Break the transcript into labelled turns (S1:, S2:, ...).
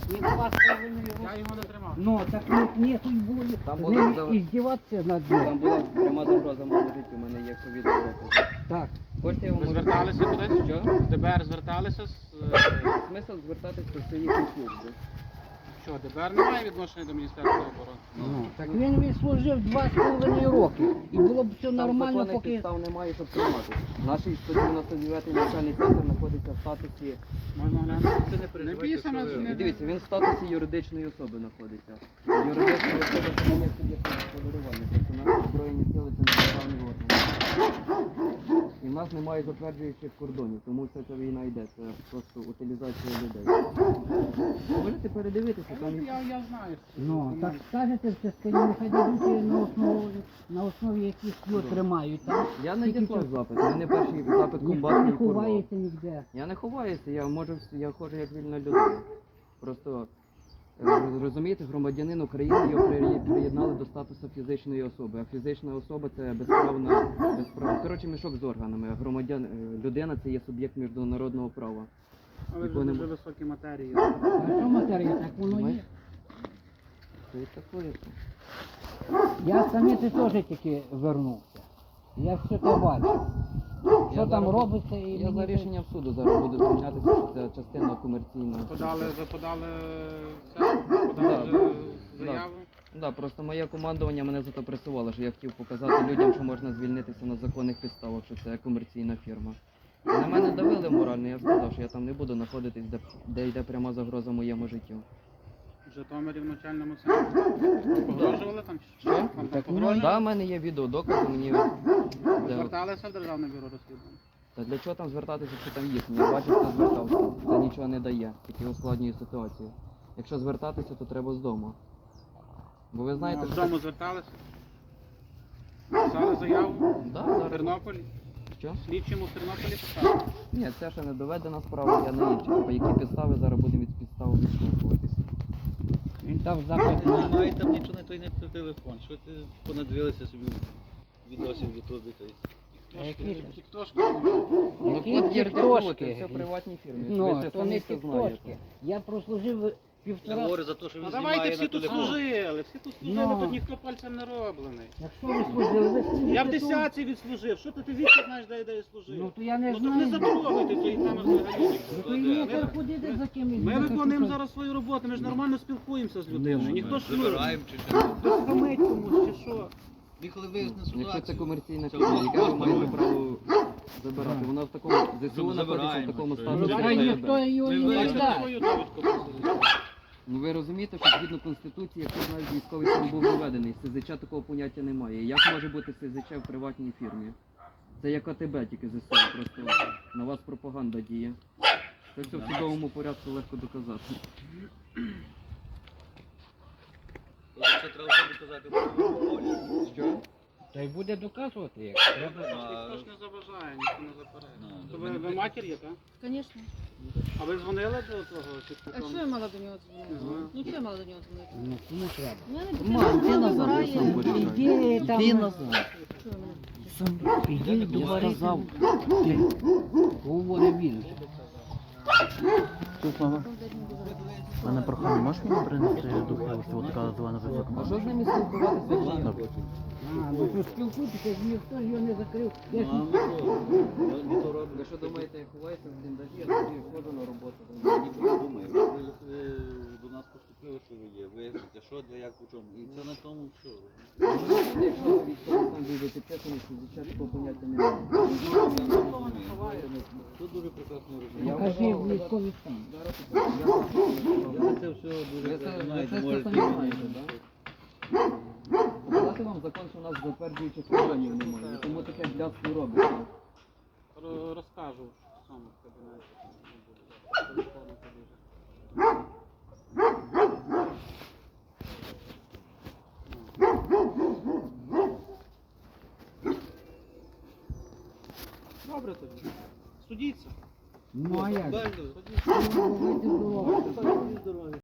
S1: Не 2,5 роки.
S2: Я його не тримав.
S1: Ну, так нету й волі.
S3: Там
S1: З
S3: було
S1: ним
S3: давай.
S1: іздіватися над
S3: Там
S1: ним.
S3: була пряма загроза моєму життю, у мене є ковід.
S1: Так.
S3: Хочете, я вам
S2: Ви
S3: можу...
S2: зверталися кудись?
S3: Що?
S2: В ДБР зверталися з...
S3: Смисл звертатись до своїх служби.
S2: Що, ДБР не має відношення до Міністерства оборони?
S1: Ну, так він відслужив 2,5 роки. І було б все
S3: Там
S1: нормально,
S3: законних
S1: поки...
S3: підстав немає, щоб тримати. Наш 199-й навчальний центр знаходиться в статусі...
S2: Можна глянути?
S4: Це не переживайте,
S2: писано,
S4: що ви-
S2: не-
S3: Дивіться, він в статусі юридичної особи знаходиться. Юридична особа це не є суб'єктом господарювання, тобто наші збройні сили це не державний орган. І в нас немає затверджуючих кордонів, тому вся ця війна йде, це просто утилізація людей. Можете передивитися, там
S2: Я знаю.
S1: Ну, так скажете в частині, нехай дадуть на основі яких його тримають. Там
S3: я
S1: скільки
S3: надіслав
S1: часу?
S3: запит, у мене перший запит
S1: Ніхто
S3: комбатний
S1: не
S3: порвав.
S1: ховається ніде.
S3: Я не ховаюся, я ходжу як вільна людина. Просто розумієте, громадянин України його приєднали до статусу фізичної особи. А фізична особа це безправна. Коротше, мішок з органами. А людина це є суб'єкт міжнародного права.
S2: Але вже
S3: Якого
S2: дуже
S3: нема.
S2: високі матерії.
S1: А що матерія, так воно є.
S3: Це і таке.
S1: Я самі теж тільки вернувся. Я все це бачив. Що
S3: Я
S1: там
S3: зараз-
S1: робиться і
S3: Я за
S1: мені
S3: рішенням суду зараз буду звучатися, що це частина комерційна.
S2: Ви подали заяву?
S3: Да, просто моє командування мене за то пресувало, що я хотів показати людям, що можна звільнитися на законних підставах, що це комерційна фірма. І на мене давили морально, я сказав, що я там не буду знаходитись, де йде пряма загроза моєму життю.
S2: В Житомирі в навчальному центрі. Погрожували там?
S3: Що?
S2: Вам там
S1: Так,
S2: погрожували?
S3: Да, в мене є відеодокази, мені... де-
S2: Зверталися в Державне бюро розслідування?
S3: Та для чого там звертатися, якщо там їхні? Я бачив, хто звертався. Це нічого не дає, тільки ускладнює ситуацію. Якщо звертатися, то треба з дому. Бо ви знаєте,
S2: Ну, вдома зверталися? Писали заяву?
S3: Да,
S2: В
S3: зараз.
S2: Тернополі?
S3: Що?
S2: Слідчому в Тернополі писали?
S3: Ні, це ще не доведена справа, я не інші. По які підстави зараз будемо від підстав відштовхуватися.
S1: він дав
S4: Ти
S1: запит
S4: не
S1: на...
S4: має там нічого, той не телефон. Що ти понадивилися собі відосів в Ютубі?
S2: Тіктошки?
S3: Ну,
S1: Які
S3: от є
S1: тіктошки?
S3: це все приватні фірми.
S1: Ну,
S3: ви це
S1: то
S3: самі
S1: не
S3: все
S1: тіктошки.
S3: знаєте.
S1: Я прослужив
S4: Я
S1: півтора...
S4: говорю за те, що він
S2: Ну
S4: знімає
S2: давайте всі
S4: на
S2: тут
S4: телефон.
S2: служили, всі тут служили,
S1: Ну.
S2: тут ніхто пальцем не роблений.
S1: Якщо ви служили, ви служите
S2: Я в
S1: тут.
S2: десятці відслужив, що ти вічно знаєш, де я служив?
S1: Ну, то я не
S2: Ну то не
S1: знаю.
S2: затрогайте тої теми взагалі.
S1: Ну, то і не ходити за кимось.
S2: Ми виконуємо зараз свою роботу, ми ж нормально спілкуємося з людиною. Ніхто ж
S4: Забираємо чи що.
S2: хтось хамить комусь чи що.
S4: І коли виясне
S3: Якщо це
S4: ситуацію,
S3: комерційна
S4: це
S3: фірма,
S4: воно
S3: яке ви
S4: просто
S3: маєте
S4: робить.
S3: право забирати. Вона в такому ЗСУ знаходиться в
S4: забираємо,
S3: такому
S4: що
S3: статусі.
S4: ви-
S1: Та
S3: що
S1: ніхто
S3: це-
S1: його
S4: Ми
S1: не
S4: вияснили
S1: надасть.
S2: Свою довідку просто.
S3: Ну ви розумієте, що згідно Конституції, якщо навіть військовий стан був введений, СЗЧ такого поняття немає. Як може бути СЗЧ в приватній фірмі? Це як АТБ, тільки ЗСУ, просто на вас пропаганда діє. Це все в судовому порядку легко доказати.
S4: Це треба собі казати про волю.
S3: Що?
S1: Та й буде доказувати, як треба.
S2: Ніхто ж не заважає, ніхто не заперечує.
S4: Ну,
S2: То ви матір є, так?
S5: Конечно.
S2: А ви дзвонили до того?
S5: А що я мала до нього дзвонити?
S2: Ага.
S5: Ну що я мала до нього дзвонити?
S1: Ну, кому треба?
S5: У мене
S3: Мам,
S5: дитина
S3: ти
S5: сама
S3: назад, я сам
S5: вибирає.
S3: буду.
S1: Іди там.
S3: Іди назад.
S5: Що ви мене?
S1: Сам іди до сказав. Говорить він.
S6: У мене прохання, можеш мені принести духовку, от така звана висока?
S3: А що з ними спілкуватися?
S1: А, ну то спілкуйтеся, ніхто ж його не закрив. Я ж...
S4: Ну, а ми то робимо.
S3: Ви що думаєте, я ховаюся в бліндажі, я тоді ходжу на роботу.
S4: Я нічого не думаю. Ви до нас поступили, що ви є. Виясните, що, де, як, у чому. І це на тому все.
S3: Якщо військовий стан буде підписаний, СЗЧ такого поняття немає.
S4: Тут дуже прекрасно
S3: Я
S4: розумію.
S1: Покажи
S3: вважав,
S1: військовий стан.
S4: Я це все дуже
S3: Ви це
S4: знаєте,
S3: самі
S4: можете.
S3: знаєте, так? Показати вам закон, що у нас затверджуючих органів немає, тому таке блядство робиться.
S2: Розкажу сам в кабінеті. Телефону побіжу. Добре тоді. Судіться.
S1: Ну а як?
S4: Правильно?
S1: Ну, ви здорові.
S4: Здоров'я.